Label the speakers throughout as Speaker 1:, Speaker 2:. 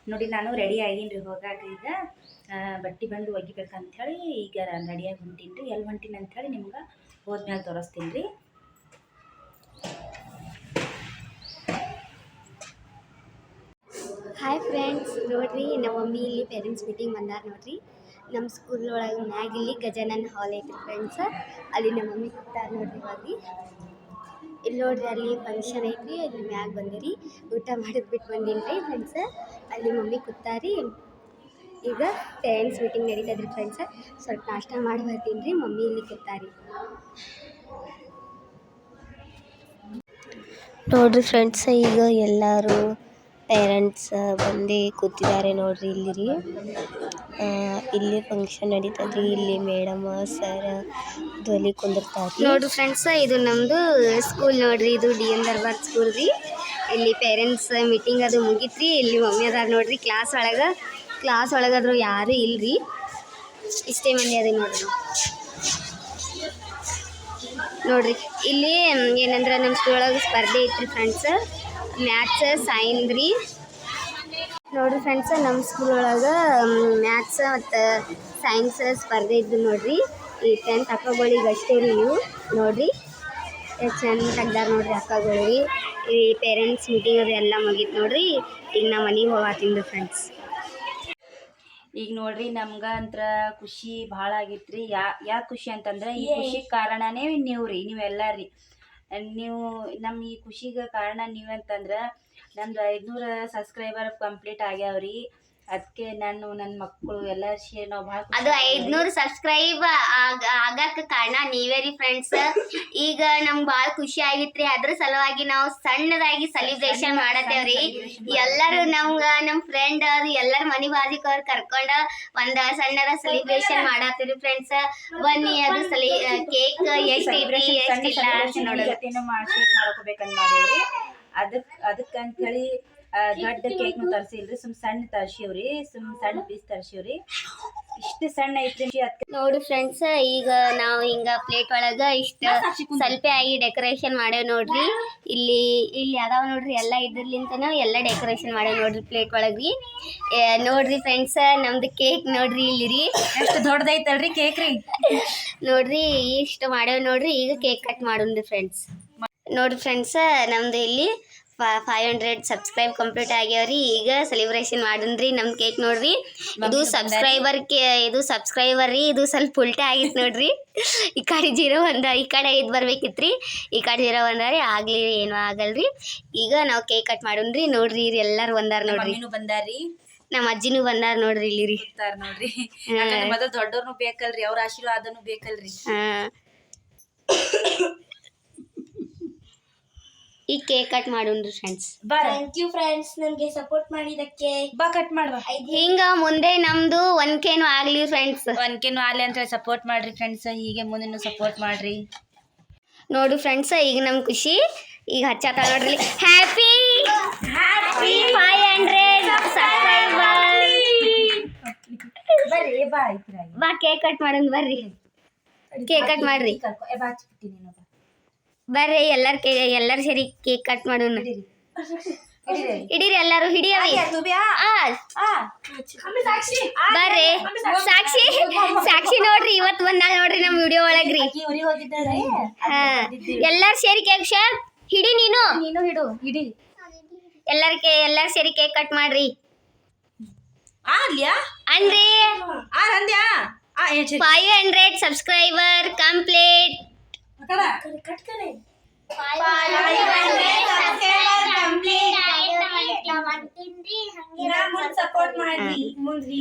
Speaker 1: ನೋಡಿ ನಾನು ರೆಡಿ ಆಗೀನಿ ಹೋಗಾಕ. ಈಗ ಬಟ್ಟೆ ಬಂದು ಒಗಿಬೇಕಂಥೇಳಿ ಈಗ ರೆಡಿಯಾಗಿ ಹೊಂಟೀನಿ ರೀ. ಎಲ್ಲಿ ಹೊಂಟೀನಿ ಅಂಥೇಳಿ ನಿಮ್ಗೆ ಹೋದ್ಮೇಲೆ ತೋರಿಸ್ತೀನಿ ರೀ.
Speaker 2: ಹಾಯ್ ಫ್ರೆಂಡ್ಸ್, ನೋಡ್ರಿ ನಮ್ಮ ಮಮ್ಮಿ ಇಲ್ಲಿ ಪೇರೆಂಟ್ಸ್ ಮೀಟಿಂಗ್ ಬಂದಾರ ನೋಡ್ರಿ. ನಮ್ಮ ಸ್ಕೂಲ್ ಒಳಗೆ ಮ್ಯಾಗ ಇಲ್ಲಿ ಗಜಾನನ್ ಹಾಲ್ ಐತ್ರಿ ಫ್ರೆಂಡ್ಸ್. ಅಲ್ಲಿ ನಮ್ಮ ಮಮ್ಮಿ ಕೂತಾರ ನೋಡ್ರಿ. ಇವಾಗ ಇಲ್ಲಿ ನೋಡ್ರಿ ಅಲ್ಲಿ ಫಂಕ್ಷನ್ ಐತ್ರಿ. ಅಲ್ಲಿ ಮ್ಯಾಗ ಬಂದಿರಿ ಊಟ ಮಾಡಿದ್ ಬಿಟ್ಟು ಬಂದೀನಿ ರೀ ಫ್ರೆಂಡ್ಸ್. ಅಲ್ಲಿ ಮಮ್ಮಿ ಕೂತಾರಿ. ಈಗ ಪೇರೆಂಟ್ಸ್ ಮೀಟಿಂಗ್ ನಡೀತದ್ರಿ ಫ್ರೆಂಡ್ಸ್. ಸ್ವಲ್ಪ ನಾಷ್ಟ ಮಾಡಿ ಬರ್ತೀನಿ ರೀ. ಮಮ್ಮಿ ಇಲ್ಲಿ ಕೂತಾರಿ ನೋಡ್ರಿ ಫ್ರೆಂಡ್ಸ್. ಈಗ ಎಲ್ಲರೂ ಪೇರೆಂಟ್ಸ್ ಬಂದು ಕೂತಿದ್ದಾರೆ ನೋಡ್ರಿ. ಇಲ್ಲಿ ರೀ ಇಲ್ಲಿ ಫಂಕ್ಷನ್ ನಡೀತದ್ರಿ. ಇಲ್ಲಿ ಮೇಡಮ್ ಸರ್ ಧ್ವನಿ ಕುಂದಿರ್ತಾರೆ ನೋಡ್ರಿ ಫ್ರೆಂಡ್ಸ್. ಇದು ನಮ್ಮದು ಸ್ಕೂಲ್ ನೋಡ್ರಿ. ಇದು DM ದರ್ಬಾರ್ ಸ್ಕೂಲ್ ರೀ. ಇಲ್ಲಿ ಪೇರೆಂಟ್ಸ್ ಮೀಟಿಂಗ್ ಅದು ಮುಗಿತ್ರಿ. ಇಲ್ಲಿ ಮಮ್ಮಿ ಅದಾರ ನೋಡ್ರಿ. ಕ್ಲಾಸ್ ಒಳಗಾದ್ರು ಯಾರು ಇಲ್ರಿ, ಇಷ್ಟೇ ಮಂದಿ ಅದೇ ನೋಡ್ರಿ. ಇಲ್ಲಿ ಏನಂದ್ರೆ ನಮ್ಮ ಸ್ಕೂಲ್ ಒಳಗೆ ಸ್ಪರ್ಧೆ ಐತ್ರಿ ಫ್ರೆಂಡ್ಸ್. ಮ್ಯಾಥ್ಸ್ ಸೈನ್ಸ್ ರೀ. ನೋಡ್ರಿ ಫ್ರೆಂಡ್ಸ್, ನಮ್ಮ ಸ್ಕೂಲ್ ಒಳಗೆ ಮ್ಯಾಥ್ಸ್ ಮತ್ತು ಸೈನ್ಸ್ ಸ್ಪರ್ಧೆ ಇದ್ದು ನೋಡ್ರಿ. ಈ 10th ಅಕ್ಕಗಳಿಗೆ ಅಷ್ಟೇ ರೀ ಇವು ನೋಡ್ರಿ. ಎಷ್ಟು ಚೆಂದ ತೆಗ್ದಾರ ನೋಡ್ರಿ ಅಕ್ಕಗಳಿಗೆ. ಈ ಪೇರೆಂಟ್ಸ್ ಮೀಟಿಂಗ್ ಅದು ಎಲ್ಲ ಮುಗೀತು ನೋಡ್ರಿ. ಈಗ ನಾ ಮನೆಗೆ ಹೋಗತ್ತೀನಿ ಫ್ರೆಂಡ್ಸ್.
Speaker 1: ಈಗ ನೋಡ್ರಿ ನಮ್ಗೆ ಅಂತ್ರ ಖುಷಿ ಭಾಳ ಆಗಿತ್ತು ರೀ. ಯಾಕೆ ಖುಷಿ ಅಂತಂದ್ರೆ ಈ ಖುಷಿ ಕಾರಣನೇ ನೀವೆಲ್ಲ ರೀ. ನೀವು ನಮ್ಮ ಈ ಖುಷಿಗೆ ಕಾರಣ ನೀವಂತಂದ್ರೆ ನಮ್ದು 500 ಸಬ್ಸ್ಕ್ರೈಬರ್ ಕಂಪ್ಲೀಟ್ ಆಗ್ಯಾವ್ರಿ. ಅದಕ್ಕೆ ನಾನು ನನ್ನ ಮಕ್ಕಳು ಎಲ್ಲ ಸೇರಿ ನಾವು ಭಾಳ
Speaker 2: ಅದು 500 ಸಬ್ಸ್ಕ್ರೈಬ್ ಆಗಕ್ಕೆ ಕಾರಣ ನೀವೇ ರೀ ಫ್ರೆಂಡ್ಸ್. ಈಗ ನಮ್ಗೆ ಭಾಳ ಖುಷಿ ಆಗಿತ್ರಿ. ಅದ್ರ ಸಲುವಾಗಿ ನಾವು ಸಣ್ಣದಾಗಿ ಸೆಲಿಬ್ರೇಷನ್ ಮಾಡತ್ತೇವ್ರಿ. ಎಲ್ಲರೂ ನಮ್ಮ ಫ್ರೆಂಡ್ ಅವ್ರು ಎಲ್ಲರ ಮನೆ ಬಾಜಿಕವ್ರು ಕರ್ಕೊಂಡು ಒಂದು ಸಣ್ಣದ ಸೆಲಿಬ್ರೇಷನ್ ಮಾಡತ್ತೀವಿ ಫ್ರೆಂಡ್ಸ್. ಬನ್ನಿ ಅದು ಕೇಕ್ ಎಷ್ಟೈತಿ ಎಷ್ಟಿಲ್ಲ
Speaker 1: ಮಾಡ್ಕೋಬೇಕಂತ ಮಾಡೀವ್ರಿ. ಅದಕ್ಕಂತೇಳಿ ದೊಡ್ಡ ಕೇಕ್ ತರ್ಸಿಲ್ರಿ, ಸಣ್ಣ ತರ್ಸಿವ್ರಿ. ಸಣ್ಣ ಪೀಸ್ ತರ್ಸಿವ್ರಿ. ಇಷ್ಟು ಸಣ್ಣ ಐತ್ರಿ.
Speaker 2: ನೋಡಿ ಫ್ರೆಂಡ್ಸ್, ಈಗ ನಾವು ಹಿಂಗ ಪ್ಲೇಟ್ ಒಳಗ ಇಷ್ಟ ಸ್ವಲ್ಪ ಆಗಿ ಡೆಕೋರೇಷನ್ ಮಾಡೇವ್ ನೋಡ್ರಿ. ಇಲ್ಲಿ ಅದಾವ ನೋಡ್ರಿ. ಎಲ್ಲ ಇದ್ರಲಿಂತನ ಎಲ್ಲ ಡೆಕೋರೇಷನ್ ಮಾಡೇವ್ ನೋಡ್ರಿ ಪ್ಲೇಟ್ ಒಳಗ್ರಿ. ನೋಡ್ರಿ ಫ್ರೆಂಡ್ಸ್, ನಮ್ದು ಕೇಕ್ ನೋಡ್ರಿ. ಇಲ್ಲಿ ರೀ
Speaker 1: ಎಷ್ಟು ದೊಡ್ಡದೈತಲ್ರಿ ಕೇಕ್ ರೀ.
Speaker 2: ನೋಡ್ರಿ ಇಷ್ಟು ಮಾಡೇವ್ ನೋಡ್ರಿ. ಈಗ ಕೇಕ್ ಕಟ್ ಮಾಡೋಣ್ರಿ ಫ್ರೆಂಡ್ಸ್. ನೋಡ್ರಿ ಫ್ರೆಂಡ್ಸ್, ನಮ್ದು ಇಲ್ಲಿ 500 ಸಬ್ಸ್ಕ್ರೈಬ್ ಕಂಪ್ಲೀಟ್ ಆಗ್ಯಾವ್ರಿ. ಈಗ ಸೆಲಿಬ್ರೇಷನ್ ಮಾಡೋಣ್ರಿ. ನಮ್ಮ ಕೇಕ್ ನೋಡ್ರಿ. ಇದು ಸಬ್ಸ್ಕ್ರೈಬರ್ ರೀ. ಇದು ಸ್ವಲ್ಪ ಉಲ್ಟೆ ಆಗಿತ್ತು ನೋಡ್ರಿ. ಈ ಕಡೆ 0 1 ಈ ಕಡೆ 5 ಬರ್ಬೇಕಿತ್ರಿ. ಈ ಕಡೆ 0 1 ರೀ. ಆಗ್ಲಿ ಏನೂ ಆಗಲ್ರಿ. ಈಗ ನಾವು ಕೇಕ್ ಕಟ್ ಮಾಡೋಣ್ರಿ. ನೋಡ್ರಿ ಎಲ್ಲರೂ ಬಂದಾರ ನೋಡ್ರಿ.
Speaker 1: ಬಂದಾರಿ.
Speaker 2: ನಮ್ಮ ಅಜ್ಜಿನೂ ಬಂದಾರ ನೋಡ್ರಿ. ಇಲ್ಲಿ ರೀ
Speaker 1: ನೋಡ್ರಿ. ಮೊದಲು ದೊಡ್ಡವ್ರನು ಬೇಕಲ್ರಿ, ಅವ್ರ ಆಶೀರ್ವಾದನು ಬೇಕಲ್ರಿ.
Speaker 2: ಈ ಕೇಕ್ ಕಟ್ ಮಾಡೋಣ್ರಿ ಫ್ರೆಂಡ್ಸ್.
Speaker 3: ಥ್ಯಾಂಕ್ ಯು ಫ್ರೆಂಡ್ಸ್, ನನಗೆ ಸಪೋರ್ಟ್ ಮಾಡಿದಕ್ಕೆ.
Speaker 1: ಬಾ ಕಟ್ ಮಾಡುವ.
Speaker 2: ಹಿಂಗ ಮುಂದೆ ನಮ್ದು 1Kನೂ ಆಗ್ಲಿ ಫ್ರೆಂಡ್ಸ್.
Speaker 1: 1Kನೂ ಆಗ್ಲಿ ಅಂತ ಸಪೋರ್ಟ್ ಮಾಡ್ರಿ ಫ್ರೆಂಡ್ಸ್. ಹೀಗೆ ಮುಂದೆ ಸಪೋರ್ಟ್ ಮಾಡ್ರಿ.
Speaker 2: ನೋಡು ಫ್ರೆಂಡ್ಸ್, ಈಗ ನಮ್ ಖುಷಿ ಈಗ ಹಚ್ಚತ್ತ ನೋಡ್ರಿ. Happy 500 subscriber.
Speaker 1: ಬರ್ರಿ
Speaker 2: ಬಾ ಕೇಕ್ ಕಟ್ ಮಾಡೋಣ. ಬರ್ರಿ ಕೇಕ್ ಕಟ್ ಮಾಡ್ರಿ. ಬರ್ರಿ ಎಲ್ಲರೂ ಸೇರಿ ಕೇಕ್ ಕಟ್ ಮಾಡೋಣ. ಹಿಡೀರಿ ಎಲ್ಲರೂ, ಹಿಡಿಯವಿ. ಬರ್ರಿ ಸಾಕ್ಷಿ ನೋಡ್ರಿ ಇವತ್ತು ಬಂದಾಳ ನೋಡ್ರಿ ನಮ್ಮ ವಿಡಿಯೋ ಒಳಗ್ರಿ. ಎಲ್ಲರೂ ಸೇರಿ ಕೇಕ್ ಹಿಡಿ. ನೀನು ಹಿಡು. ಎಲ್ಲರೂ ಸೇರಿ ಕೇಕ್ ಕಟ್ ಮಾಡ್ರಿ. ಅನ್ರಿ 500 ಸಬ್ಸ್ಕ್ರೈಬರ್ ಕಂಪ್ಲೀಟ್.
Speaker 3: ಸಪೋರ್ಟ್ ಮಾಡ್ರಿ ಮುಂದ್ರಿ.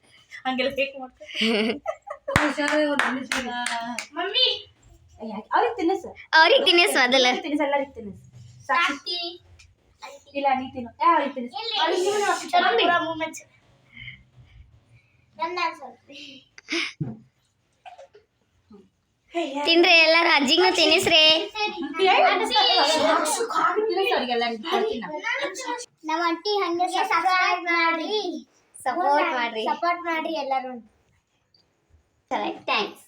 Speaker 3: ಮಮ್ಮಿ
Speaker 2: ಅವ್ರಿಗೆ ತಿನ್ನಿಸ್ ಮೊದಲ. ತಿನ್ರಿ ಎಲ್ಲಾರು. ಅಜ್ಜಿಗೂ ತಿನ್ನಿಸ್ರಿ.
Speaker 3: ನಮ್ಮ ಆಂಟಿ ಹಂಗೆ ಸಬ್ಸ್ಕ್ರೈಬ್ ಮಾಡ್ರಿ,
Speaker 2: ಸಪೋರ್ಟ್ ಮಾಡ್ರಿ ಎಲ್ಲರೂ. ಥ್ಯಾಂಕ್ಸ್.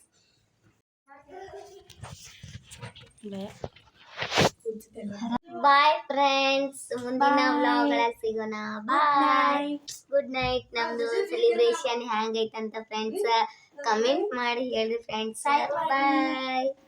Speaker 2: Bye friends. ಮುಂದಿನ ವ್ಲಾಗ್ ಗಳಲ್ಲಿ ಸಿಗೋಣ. ಬಾಯ್. Good night. ನಮ್ದು ಸೆಲಿಬ್ರೇಷನ್ ಹ್ಯಾಂಗೈತಂತ ಫ್ರೆಂಡ್ಸ್ ಕಮೆಂಟ್ ಮಾಡಿ ಹೇಳ್ರಿ ಫ್ರೆಂಡ್ಸ್. ಬಾಯ್.